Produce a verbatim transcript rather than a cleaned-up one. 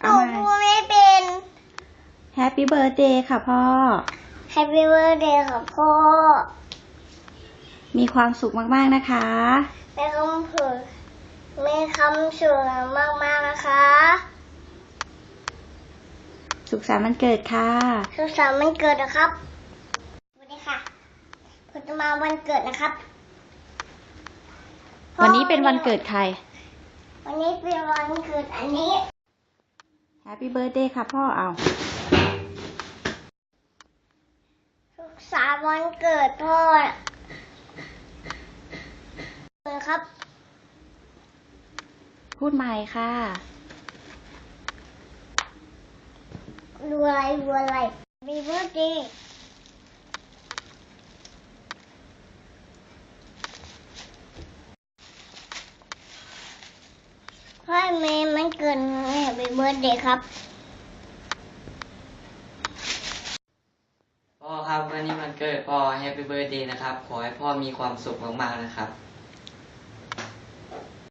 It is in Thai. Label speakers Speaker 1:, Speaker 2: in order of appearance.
Speaker 1: เอาใหม่พูดไม่เป็น
Speaker 2: Happy Birthday ค่ะพ่อ
Speaker 1: Happy Birthday ค่ะพ่อ
Speaker 2: มีความสุขมากๆนะคะ
Speaker 1: มีคำพูดมีคำสุขมากๆนะคะ
Speaker 2: สุขสันต์วันเกิดค่ะ
Speaker 1: สุขสันต์วันเกิดนะครับสวัสดีค่ะผมจะมาวันเกิดนะครับ
Speaker 2: วันนี้เป็นวันเกิดใคร
Speaker 1: วันนี้เป็นวันเกิดอันนี้
Speaker 2: Happy Birthday ค่ะพ่อเอา
Speaker 1: สุขสันต์วันเกิดพ่อครับ
Speaker 2: พูดใหม่ค่ะ
Speaker 1: ดูอะไรดูอะไรมีเบอร์ดีพ่อเมย์มันเกิดแฮปปี้เบิร์ดเดย์ครับ
Speaker 3: พ่อครับวันนี้มันเกิดพ่อแฮปปี้เบิร์ดเดย์นะครับขอให้พ่อมีความสุขมากๆนะครับ